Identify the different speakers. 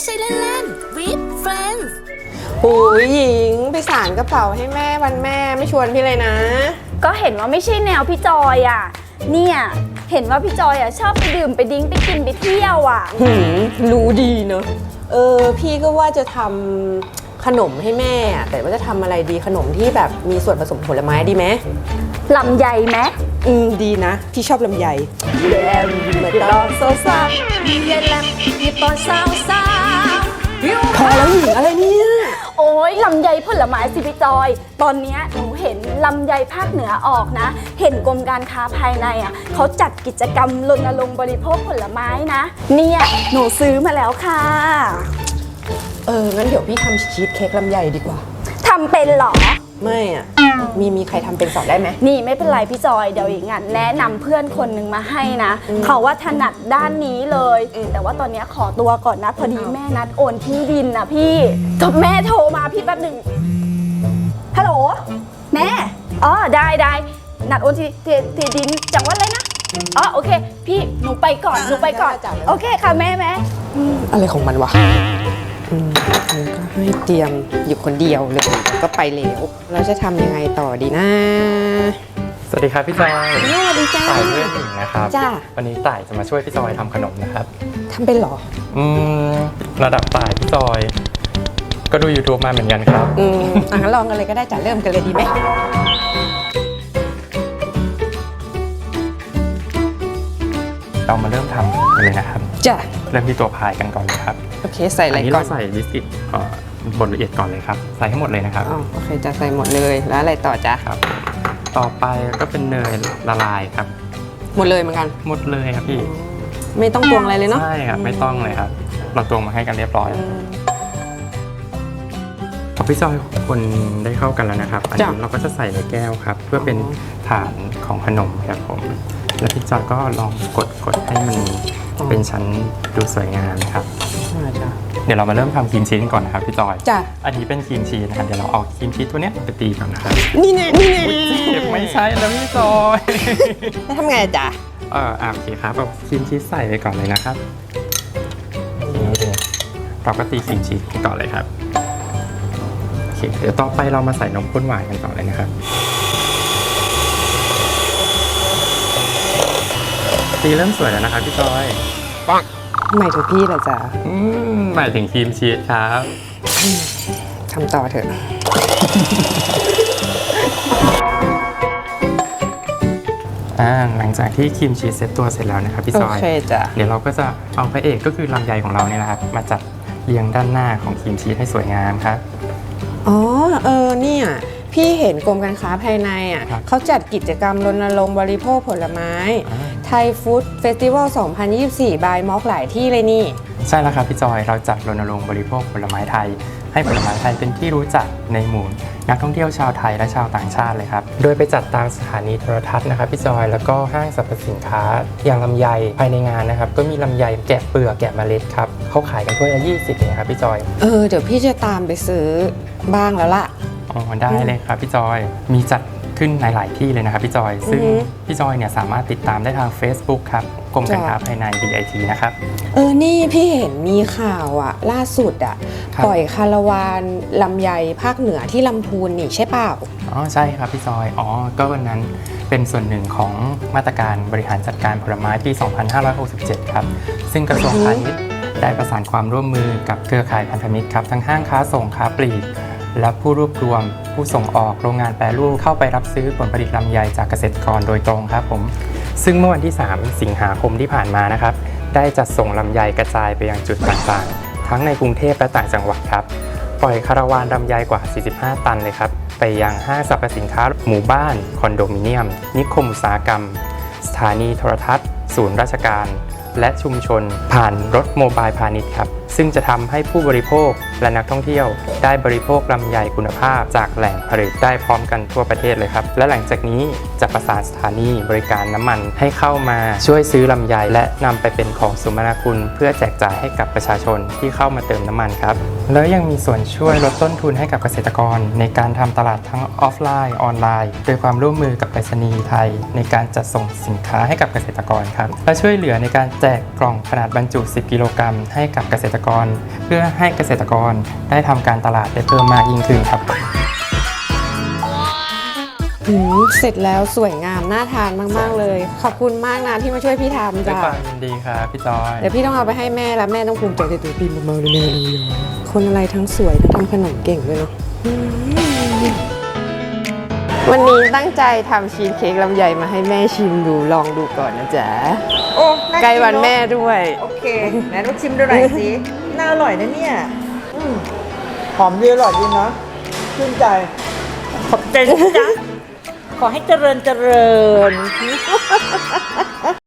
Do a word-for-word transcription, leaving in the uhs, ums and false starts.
Speaker 1: ใช่เล่นๆ with friends
Speaker 2: หูยหญิงไปสานกระเป๋าให้แม่วันแม่ไม่ชวนพี่เลยนะ
Speaker 3: ก็เห็นว่าไม่ใช่แนวพี่จอยอ่ะเนี่ยเห็นว่าพี่จอยอ่ะชอบไปดื่มไปดิ้งไปกินไปเที่ยวอ่ะ
Speaker 2: หืมรู้ดีเนอะเออพี่ก็ว่าจะทำขนมให้แม่อะแต่ว่าจะทำอะไรดีขนมที่แบบมีส่วนผสมผลไม้ดีไหม
Speaker 3: ลำไยไหม
Speaker 2: อืมดีนะพี่ชอบลำไยแล้วมาตอนโซซา
Speaker 3: มีเย็นแลมมีตอนสาวสาว
Speaker 2: พอแล้วหญิงอะไรเนี่ย
Speaker 3: โอ้ยลำไยผลไม้สิพี่จอย ตอนเนี้ยหนูเห็นลำไยภาคเหนือออกนะ เห็นกรมการค้าภายในอ่ะเขาจัดกิจกรรมรณรงค์บริโภคผลไม้นะเนี่ยหนูซื้อมาแล้วค่ะ
Speaker 2: เอองั้นเดี๋ยวพี่ทำชีสเค้กลำไยดีกว่า
Speaker 3: ทำเป็นเหรอ
Speaker 2: ไม่อ่ะมีมีใครทำเป็นสอนได้ไหม
Speaker 3: นี่ไม่เป็นไรพี่จอยเดี๋ยวอย่างงั้นแนะนำเพื่อนคนหนึ่งมาให้นะเขาว่าถนัดด้านนี้เลย แต่ว่าตอนนี้ขอตัวก่อนนะพอดีแม่นัดโอนที่ดินนะพี่จบแม่โทรมาพี่แป๊บหนึ่งฮัลโหลแม่อ๋อได้ได้นัดโอนที่ที่ที่ดินจังหวัดอะไรนะอ๋อโอเคพี่หนูไปก่อนหนูไปก่อนโอเคค่ะแม่แม่
Speaker 2: อะไรของมันวะอืมมันก็ให้เตรียมอยู่คนเดียวเลยก็ไปแล้วเราจะทำยังไงต่อดีนะ
Speaker 4: สวัสดีครับพี่จอย
Speaker 2: สวัสดีจ้า
Speaker 4: ต่ายเพื่อนหญิงนะครับ
Speaker 2: จ้า
Speaker 4: วันนี้ต่ายจะมาช่วยพี่จอยทำขนมนะครับ
Speaker 2: ทำเป็นเหรอ
Speaker 4: อืมระดับต่ายพี่จอย ก็ดู YouTube มาเหมือนกันครับ
Speaker 2: อืมอ่ะงั้นลองกันเลยก็ได้จ้ะเริ่มกันเลยดีไหม
Speaker 4: เรามาเริ่มทำกันเลยนะครับ
Speaker 2: จ้ะ
Speaker 4: เริ่มที่ตัวพายกันก่อนเลยครับ
Speaker 2: โอเคใส่อะไร
Speaker 4: อันนี้
Speaker 2: ก่อ
Speaker 4: เรา
Speaker 2: น
Speaker 4: ใส่บิสกิตเอ่อบดละเอียดก่อนเลยครับ ใส่ให้หมดเลยนะครับ
Speaker 2: อ๋อโอเคจะใส่หมดเลยแล้วอะไรต่อจ้ะ
Speaker 4: ครับ ต่อไปก็เป็นเนยละลายครับ
Speaker 2: หมดเลยเหมือนกัน
Speaker 4: หมดเลยครับพี่
Speaker 2: ไม่ต้องตวงอะไรเลยเนาะ
Speaker 4: ใช่ครับไม่ต้องเลยครับ เราตวงมาให้กันเรียบร้อย
Speaker 2: อืม
Speaker 4: พอพี่จอยคนได้เข้ากันแล้วนะครับ อัน
Speaker 2: จ้ะ
Speaker 4: นี้เราก็จะใส่ในแก้วครับ เพื่อเป็นฐานของขนมครับผม แล้วพี่จอยก็ลองกดกดให้มันเป็นชั้นดูสวยงามครับ
Speaker 2: อ่าจ้ะ
Speaker 4: เดี๋ยวเรามาเริ่มทำครีมชีสกันก่อนนะครับพี่จอย
Speaker 2: จ้ะ
Speaker 4: อันนี้เป็นครีมชีสนะครับ เดี๋ยวเราเอาครีมชีสตัวเนี้ยไปตีก่อนนะครับ
Speaker 2: นี่แน่นี่แน่
Speaker 4: เจ็บไม่ใช่แล้วพี่จอย
Speaker 2: แล้วทำไงจ้ะ
Speaker 4: เอออ่ะโอเคครับเอาครีมชีสใส่ไปก่อนเลยนะครับนี่เลยเราก็ตีครีมชีสกันก่อนเลยครับโอเคเดี๋ยวต่อไปเรามาใส่นมข้นหวานกันต่อเลยนะครับตีเริ่มสวยแล้วนะครับพี่จอย
Speaker 2: หมายถึงพี่เหรอจ๊ะ
Speaker 4: อืมหมายถึงครีมชีสครับ
Speaker 2: ทำต่อเถอะ
Speaker 4: อ่าหลังจากที่ครีมชีสเซ็ตตัวเสร็จแล้วนะครับพี่
Speaker 2: โอ
Speaker 4: จอย
Speaker 2: เคจ้ะ
Speaker 4: เดี๋ยวเราก็จะเอาพระเอกก็คือลำไยของเราเนี่ยนะครับมาจัดเรียงด้านหน้าของครีมชีสให้สวยงามครับ
Speaker 2: อ๋อเออเนี่ยพี่เห็นกรมการค้าภายในอ่ะ
Speaker 4: ครับ
Speaker 2: เขาจัดกิจกรรมรณรงค์บริโภคผลไม้
Speaker 4: อ่า
Speaker 2: ไทยฟู้ดเฟสติวัล สองพันยี่สิบสี่ บายม็อกหลายที่เลยนี่
Speaker 4: ใช่แล้วครับพี่จอยเราจัดรณรงค์บริโภคผลไม้ไทย ให้ผลไม้ไทยเป็นที่รู้จักในหมู่นักท่องเที่ยวชาวไทยและชาวต่างชาติเลยครับโดยไปจัดตามสถานีโทรทัศน์นะครับพี่จอยแล้วก็ห้างสรรพสินค้าอย่างลำไยภายในงานนะครับก็มีลำไยแกะเปลือกแกะเมล็ดครับเขาขายกันถ้วยละยี่สิบเองครับพี่จอย
Speaker 2: เออเดี๋ยวพี่จะตามไปซื้อบ้างแล้วล่ะ
Speaker 4: อ๋อได้เลยครับพี่จอยมีจัดขึ้นหลาย ๆ ที่เลยนะครับพี่จอยซึ่ง
Speaker 2: อือฮึ
Speaker 4: พี่จอยเนี่ยสามารถติดตามได้ทาง Facebook ครับกรมการค้าภายใน บี ไอ ที นะครับ
Speaker 2: เออนี่พี่เห็นมีข่าวอะล่าสุดอะ
Speaker 4: ครับ
Speaker 2: ปล่อยคาราวานลำไยภาคเหนือที่ลำพูนนี่ใช่เปล่า
Speaker 4: อ๋อใช่ครับพี่จอยอ๋อก็วันนั้นเป็นส่วนหนึ่งของมาตรการบริหารจัดการผลไม้ปี สองพันห้าร้อยหกสิบเจ็ด ครับซึ่งกระทรวงพาณิชย์ได้ประสานความร่วมมือกับเครือข่ายพันธมิตรครับทั้งห้างค้าส่งค้าปลีกและผู้รวบรวมผู้ส่งออกโรงงานแปรรูปเข้าไปรับซื้อผลผลิตลำไยจากเกษตรกรโดยตรงครับผมซึ่งเมื่อวันที่ สาม สิงหาคมที่ผ่านมานะครับได้จัดส่งลำไยกระจายไปยังจุดต่างๆ ทั้งในกรุงเทพและต่างจังหวัดครับปล่อยคาราวานลำไยกว่า สี่สิบห้า ตันเลยครับไปยังห้างสรรพสินค้าหมู่บ้านคอนโดมิเนียม นิคมอุตสาหกรรม สถานีโทรทัศน์ ศูนย์ราชการ และชุมชนผ่านรถโมบายพาณิชย์ครับซึ่งจะทำให้ผู้บริโภคและนักท่องเที่ยวได้บริโภคลำไยคุณภาพจากแหล่งผลิตได้พร้อมกันทั่วประเทศเลยครับและหลังจากนี้จะประสานสถานีบริการน้ำมันให้เข้ามาช่วยซื้อลำไยและนำไปเป็นของสมนาคุณเพื่อแจกจ่ายให้กับประชาชนที่เข้ามาเติมน้ำมันครับแล้วยังมีส่วนช่วยลดต้นทุนให้กับเกษตรกรในการทำตลาดทั้งออฟไลน์ออนไลน์โดยความร่วมมือกับไปรษณีย์ไทยในการจัดส่งสินค้าให้กับเกษตรกรครับและช่วยเหลือในการแจกกล่องขนาดบรรจุ สิบ กิโลกรัมให้กับเกษตรกร เพื่อให้เกษตรกรได้ทำการตลาดได้เพิ่มมากยิ่งขึ้นครับ
Speaker 2: หืมเสร็จแล้วสวยงามน่าทานมากๆเลย ขอบคุณมากนะที่มาช่วยพี่ทำ
Speaker 4: ด้วย
Speaker 2: จ้ะ
Speaker 4: ความยินดีครับพี่จอย
Speaker 2: เดี๋ยวพี่ต้องเอาไปให้แม่แล้วแม่ต้องภูมิใจในตัวพี่มากๆเลยแน่เลยคนอะไรทั้งสวยทั้งทำขนมเก่งด้วยเนาะอืมวันนี้ตั้งใจทำชีสเค้กลำไยมาให้แม่ชิมดูลองดูก่อนนะจ๊ะ
Speaker 5: โอ้า
Speaker 2: ใกล้วัน
Speaker 5: เอะ
Speaker 2: แม่ด้วย
Speaker 5: โอเคไหนลูกชิมดูหน่อยสิ น่าอร่อยนะเนี่ยอืมหอมดีอร่อยดีนะชื่นใจ ขอบใจนะจ๊ะ ขอให้เจริญเจริญ